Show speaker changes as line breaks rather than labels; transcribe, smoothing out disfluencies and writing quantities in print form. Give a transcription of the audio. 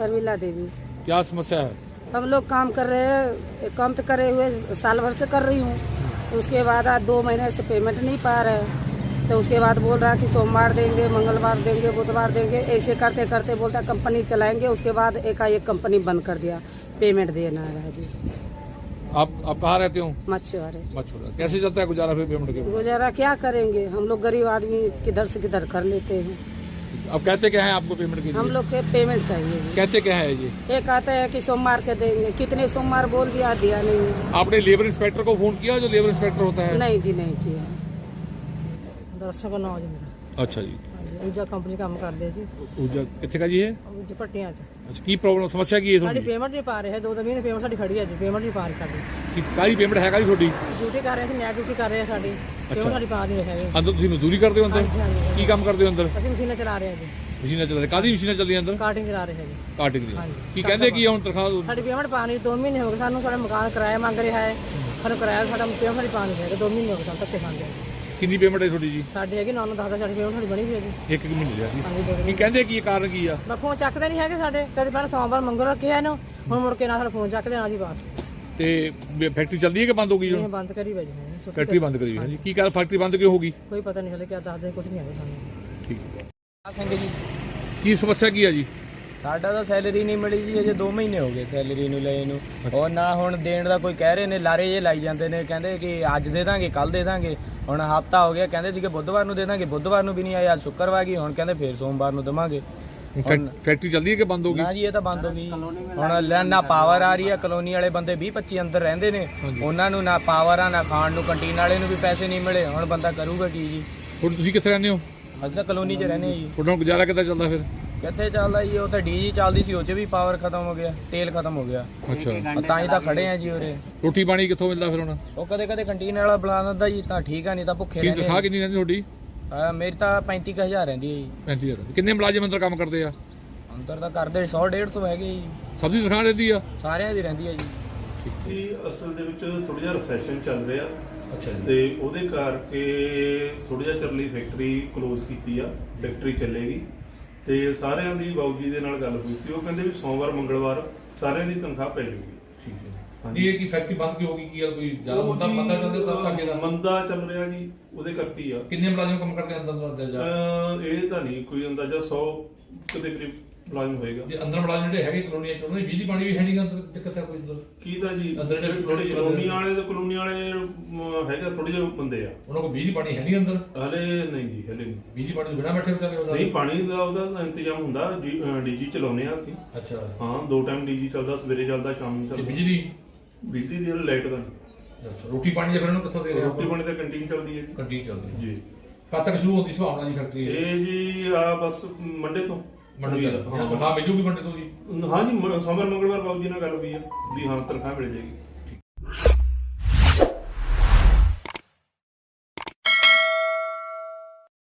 शर्मिला देवी।
क्या समस्या है?
हम लोग काम कर रहे हैं, काम तो करे हुए साल भर से कर रही हूँ। उसके बाद आज 2 महीने से पेमेंट नहीं पा रहे, तो उसके बाद बोल रहा कि सोमवार देंगे, मंगलवार देंगे, बुधवार देंगे, ऐसे करते करते बोलता कंपनी चलाएंगे। उसके बाद एकाएक कंपनी बंद कर दिया, पेमेंट देना है जी।
आप कहाँ रहते हो?
मछुआरे।
मछुआरा। कैसे चलता है गुजारा फिर पेमेंट के?
गुजारा क्या करेंगे, हम लोग गरीब आदमी किधर से किधर कर लेते हैं।
अब कहते क्या है आपको पेमेंट के लिए?
हम लोग के पेमेंट चाहिए जी।
कहते क्या है जी?
ये कहते हैं कि सोमवार के देंगे, कितने सोमवार बोल दिया, दिया नहीं है।
आपने लेबर इंस्पेक्टर को फोन किया, जो लेबर इंस्पेक्टर होता है?
नहीं जी, नहीं किया।
ਦਰਸ਼ਕ ਨਾਮ ਜੀ ਮੇਰਾ।
अच्छा जी।
ਹਾਂਜੀ ਊਜਾ ਕੰਪਨੀ ਕੰਮ ਕਰਦੇ ਆ ਜੀ।
ਊਰਜਾ ਕਿੱਥੇ का जी है?
ਊਜਾ ਭੱਟੀਆਂ 'ਚ।
अच्छा, की प्रॉब्लम समस्या की है
ਸਾਡੀ
ਤੁਹਾਡੀ?
ਪੇਮੈਂਟ ਨਹੀਂ ਪਾ ਰਹੇ, 2 ਮਹੀਨੇ ਪੇਮੈਂਟ ਸਾਡੀ ਖੜੀ ਹੈ ਜੀ, ਪੇਮੈਂਟ ਨਹੀਂ ਪਾ ਰਹੇ ਸਾਡੀ।
ਕੀ ਕਾਹਦੀ ਪੇਮੈਂਟ ਹੈਗਾ ਜੀ ਤੁਹਾਡੀ?
ਡਿਊਟੀ ਕਰ ਰਹੇ ਸੀ, ਨੈਟ ਡਿਊਟੀ ਕਰ ਰਹੇ ਆ ਸਾਡੀ, ਪੇਮੈਂਟ ਸਾਡੀ ਪਾ ਨਹੀਂ ਰਹੇ ਹੈਗੇ।
ਅੰਦਰ ਤੁਸੀਂ ਮਜ਼ਦੂਰੀ ਕਰਦੇ ਹੋ ਅੰਦਰ?
ਹਾਂਜੀ, ਹਾਂਜੀ।
ਕੀ ਕੰਮ ਕਰਦੇ ਹੋ ਅੰਦਰ?
ਅਸੀਂ ਮਸ਼ੀਨਾਂ ਚਲਾ ਰਹੇ ਆ ਜੀ,
ਮਸ਼ੀਨਾਂ ਚੱਲ ਰਹੀਆਂ? ਕਾਹਦੀ ਮਸ਼ੀਨਾਂ ਚੱਲਦੀਆਂ ਅੰਦਰ?
ਕਾਰਟਿੰਗ ਚਲਾ ਰਹੇ ਆ ਜੀ।
ਕਾਟਿੰਗ ਦੀ।
ਹਾਂਜੀ।
ਕੀ ਕਹਿੰਦੇ ਕੀ ਆ ਹੁਣ ਤਨਖਾਹ?
ਸਾਡੀ ਪੇਮੈਂਟ ਪਾ ਨਹੀਂ, 2 ਮਹੀਨੇ ਹੋ ਗਏ ਸਾਨੂੰ, ਸਾਡਾ ਮਕਾਨ ਕਿਰਾਇਆ ਮੰਗ ਰਿਹਾ ਹੈ, ਸਾਨੂੰ ਕਿਰਾਇਆ ਸਾਡਾ ਪੇਮੈਂਟ ਸਾਡੀ ਪਾ ਨਹੀਂ ਰਹੇ, 2 ਮਹੀਨੇ ਹੋ ਗਏ ਸਾਨੂੰ ਧੱਕੇ ਖਾਂਦੇ ਆ।
ਕਿੰਨੀ ਪੇਮੈਂਟ ਹੈ ਤੁਹਾਡੀ ਜੀ?
ਸਾਡੇ ਹੈਗੇ 9-10 ਸਾਡੀ ਪੇਮੈਂਟ ਸਾਡੀ ਬਣੀ ਹੋਈ ਹੈ ਜੀ।
ਇੱਕ ਮਹੀਨੇ ਦੀ ਆ ਜੀ।
ਹਾਂਜੀ 2
ਕੀ ਕਹਿੰਦੇ ਕੀ ਕਾਰਨ ਕੀ ਆ?
ਮੈਂ ਫੋਨ ਚੱਕਦੇ ਨਹੀਂ ਹੈਗੇ ਸਾਡੇ, ਕਦੇ ਪਹਿਲਾਂ ਸੋਮਵਾਰ ਮੰਗਲਵਾਰ ਕਿਹਾ ਇਹਨੂੰ, ਹੁਣ ਮੁੜ ਕੇ ਨਾ ਸਾਡਾ ਫੋਨ ਚੱਕਦੇ ਨਾ ਜੀ ਬਸ।
ਤੇ ਫੈਕਟਰੀ ਚੱਲਦੀ ਹੈ ਕਿ ਬੰਦ ਹੋ ਗਈ
ਇਹ
ਹੁਣ?
ਬੰਦ ਕਰੀ ਵਜੇ ਨੇ
ਫੈਕਟਰੀ ਬੰਦ ਕਰੀ ਹੋਈ ਹੈ ਜੀ। ਕੀ ਕਾਰਨ ਫੈਕਟਰੀ ਬੰਦ ਕਿਉਂ ਹੋ ਗਈ?
ਕੋਈ ਪਤਾ ਨਹੀਂ ਹਲੇ, ਕਿਆ ਦੱਸਦੇ ਕੁਝ ਨਹੀਂ ਆਇਆ ਸਾਨੂੰ।
ਠੀਕ ਹੈ।
ਸਿੰਘ ਜੀ,
ਕੀ ਸਮੱਸਿਆ ਕੀ ਆ ਜੀ?
ਸਾਡਾ ਤਾਂ ਸੈਲਰੀ ਨਹੀਂ ਮਿਲੀ ਜੀ, ਅਜੇ 2 ਮਹੀਨੇ ਹੋ ਗਏ ਸੈਲਰੀ ਨੂੰ ਲਏ ਨੂੰ। ਉਹ ਨਾ ਹੁਣ ਦੇਣ ਦਾ ਕੋਈ ਕਹਿ ਰਹੇ ਨੇ, ਲਾਰੇ ਜੇ ਲਾਈ ਜਾਂਦੇ ਨੇ, ਕਹਿੰਦੇ ਕਿ ਅੱਜ ਦੇ ਦਾਂਗੇ, ਕੱਲ ਦੇ ਦਾਂਗੇ। ਹੁਣ ਹਫਤਾ ਹੋ ਗਿਆ, ਕਹਿੰਦੇ ਸੀ ਕਿ ਬੁੱਧਵਾਰ ਨੂੰ ਦੇ ਦਾਂਗੇ, ਬੁੱਧਵਾਰ ਨੂੰ ਵੀ ਨਹੀਂ ਆਇਆ, ਅੱਜ ਸ਼ੁੱਕਰਵਾਰ ਗਈ, ਹੁਣ ਕਹਿੰਦੇ ਫੇਰ ਸੋਮਵਾਰ ਨੂੰ ਦੇਵਾਂਗੇ।
ਫੈਕਟਰੀ ਚੱਲਦੀ ਹੈ ਕਿ ਬੰਦ ਹੋ ਗਈ?
ਨਾ ਜੀ, ਇਹ ਤਾਂ ਬੰਦ ਹੋ ਗਈ। ਹੁਣ ਨਾ ਪਾਵਰ ਆ ਰਹੀ ਆ, ਕਲੋਨੀ ਵਾਲੇ ਬੰਦੇ 20-25 ਅੰਦਰ ਰਹਿੰਦੇ ਨੇ, ਉਹਨਾਂ ਨੂੰ ਨਾ ਪਾਵਰ ਆ, ਨਾ ਖਾਣ ਨੂੰ, ਕੰਟੀਨ ਵਾਲੇ ਨੂੰ ਵੀ ਪੈਸੇ ਨਹੀਂ ਮਿਲੇ। ਹੁਣ ਬੰਦਾ ਕਰੂਗਾ ਕੀ ਜੀ?
ਹੁਣ ਤੁਸੀਂ ਕਿੱਥੇ ਰਹਿੰਦੇ ਹੋ?
ਅਸੀਂ ਤਾਂ ਕਲੋਨੀ 'ਚ ਰਹਿੰਦੇ ਜੀ।
ਤੁਹਾਡਾ ਗੁਜ਼ਾਰਾ ਕਿੱਦਾਂ ਚੱਲਦਾ ਫਿਰ?
ਕਿੱਥੇ ਚੱਲਦਾ ਜੀ, ਉਹ ਤਾਂ ਡੀਜੀ ਚੱਲਦੀ ਸੀ, ਉਹ 'ਚ ਵੀ ਪਾਵਰ ਖਤਮ ਹੋ ਗਿਆ, ਤੇਲ ਖਤਮ ਹੋ ਗਿਆ।
ਅੱਛਾ,
ਤਾਂ ਹੀ ਤਾਂ ਖੜੇ ਆ ਜੀ ਉਰੇ।
ਰੋਟੀ ਪਾਣੀ ਕਿੱਥੋਂ ਮਿਲਦਾ ਫਿਰ ਹੁਣ?
ਉਹ ਕਦੇ ਕਦੇ ਕੰਟੀਨ ਵਾਲਾ ਬੁਲਾ ਦਿੰਦਾ ਜੀ, ਤਾਂ ਠੀਕ ਆ, ਨਹੀਂ ਤਾਂ ਭੁੱਖੇ
ਕੀ
ਰਹਿੰਦੇ
ਤਨਖਾਹ ਕਿੰਨੀ ਰਹਿੰਦੀ ਤੁਹਾਡੀ?
ਮੇਰੀ ਤਾਂ 35,000 ਰਹਿੰਦੀ ਹੈ ਜੀ।
35,000। ਕਿੰਨੇ ਮੁਲਾਜ਼ਮ ਅੰਦਰ ਕੰਮ ਕਰਦੇ ਆ?
ਅੰਦਰ ਤਾਂ ਕਰਦੇ 100-150 ਹੈਗੇ ਜੀ,
ਸਭ ਦੀ ਤਨਖਾਹ ਰਹਿੰਦੀ ਆ?
ਸਾਰਿਆਂ ਦੀ ਰਹਿੰਦੀ ਹੈ ਜੀ।
ਇਹ ਅਸਲ ਦੇ ਵਿੱਚ ਥੋੜਾ ਜਿਹਾ ਰਿਸੈਸ਼ਨ ਚੱਲ ਰਿਹਾ
ਅੱਛਾ
ਤੇ ਉਹਦੇ ਕਰਕੇ ਥੋੜਾ ਜਿਹਾ ਚਿਰ ਲਈ ਫੈਕਟਰੀ ਕਲੋਜ਼ ਕੀਤੀ ਆ। ਫੈਕਟਰੀ ਚੱਲੇਗੀ ਤੇ ਸਾਰਿਆਂ ਦੀ ਬਾਊ ਜੀ ਦੇ ਨਾਲ ਗੱਲ ਹੋਈ ਸੀ, ਉਹ ਕਹਿੰਦੇ ਵੀ ਸੋਮਵਾਰ ਮੰਗਲਵਾਰ ਸਾਰਿਆਂ ਦੀ ਤਨਖਾਹ ਪੈ ਜਾਊਗੀ।
ਠੀਕ ਹੈ। ਨਹੀਂ ਇਹ ਕੀ ਫੈਕਟਰੀ ਬੰਦ ਕਿਉਂ ਹੋ ਗਈ? ਕੀ ਗੱਲ ਕੋਈ ਜ਼ਿਆਦਾ ਮੰਦਾ ਚੱਲਦਾ ਤਾਂ ਅੱਗੇ ਦਾ?
ਮੰਦਾ ਚੱਲ ਰਿਹਾ ਜੀ, ਉਹਦੇ ਕਰਕੇ ਹੀ ਆ।
ਕਿੰਨੇ ਮੁਲਾਜ਼ਮ ਕੰਮ ਕਰਦੇ ਅੰਦਰ ਜਾ?
ਇਹ ਤਾਂ ਨਹੀਂ ਕੋਈ ਅੰਦਾਜ਼ਾ 100 ਦੇ ਕਰੀਬ ਮੁਲਾਜ਼ਮ ਹੋਏਗਾ।
ਜੇ ਅੰਦਰ ਮੁਲਾਜ਼ਮ ਜਿਹੜੇ ਹੈਗੇ ਕਲੋਨੀਆਂ ਚ, ਉਹਨਾਂ ਦੀ ਬਿਜਲੀ ਪਾਣੀ ਵੀ ਹੈ ਨਹੀਂ ਅੰਦਰ, ਦਿੱਕਤ ਹੈ ਕੋਈ ਅੰਦਰ?
ਕੀ ਤਾਂ ਜੀ
ਅੰਦਰ ਜਿਹੜੇ
ਕਲੋਨੀ ਵਾਲੇ ਤੇ ਕਲੋਨੀ ਵਾਲੇ ਹੈਗਾ ਥੋੜੇ ਜਿਹੇ ਬੰਦੇ ਆ,
ਉਹਨਾਂ ਕੋਲ ਬਿਜਲੀ ਪਾਣੀ ਹੈ ਨਹੀਂ ਅੰਦਰ?
ਹਲੇ ਨਹੀਂ ਜੀ, ਹਲੇ ਨਹੀਂ।
ਬਿਜਲੀ ਪਾਣੀ ਤੋਂ ਬਿਨਾਂ ਬੈਠੇ ਵਿਚਾਰੇ?
ਨਹੀਂ, ਪਾਣੀ ਦਾ ਉਹਦਾ ਇੰਤਜ਼ਾਮ ਹੁੰਦਾ, ਡੀਜੀ ਚਲਾਉਂਦੇ ਆ ਅਸੀਂ।
ਅੱਛਾ।
ਹਾਂ, 2 ਟਾਈਮ ਡੀਜੀ ਚੱਲਦਾ, ਸਵੇਰੇ ਚੱਲਦਾ, ਸ਼ਾਮ ਨੂੰ
ਤੇ
ਚੱਲਦਾ। ਬਿਜਲੀ ਦੀ ਲਾਈਟ ਦਾ ਨਹੀਂ।
ਅੱਛਾ, ਰੋਟੀ ਪਾਣੀ ਦਾ ਫਿਰ ਉਹਨੂੰ ਕਿੱਥੋਂ ਦੇ ਰਹੇ?
ਰੋਟੀ ਪਾਣੀ ਤਾਂ ਕੰਟੀਨ ਚੱਲਦੀ ਹੈ
ਕੰਟੀਨ ਚੱਲਦੀ
ਜੀ।
ਕਦ ਤੱਕ ਸ਼ੁਰੂ ਹੁੰਦੀ ਸੰਭਾਵਨਾ ਜੀ ਫੈਕਟਰੀ?
ਇਹ ਜੀ ਆ ਬਸ ਮੰਡੇ ਤੋਂ।
ਮੰਡੀ ਦਾ ਤਨਖਾਹ ਮਿਲ ਜੂਗੀ ਮੰਡੇ ਤੋਂ ਜੀ?
ਹਾਂ ਜੀ, ਸੋਮਵਾਰ ਮੰਗਲਵਾਰ ਬਾਬੂ ਜੀ ਨਾਲ ਗੱਲ ਹੋਈ ਆ ਵੀ ਹਾਂ ਤਨਖਾਹ ਮਿਲ ਜਾਏਗੀ।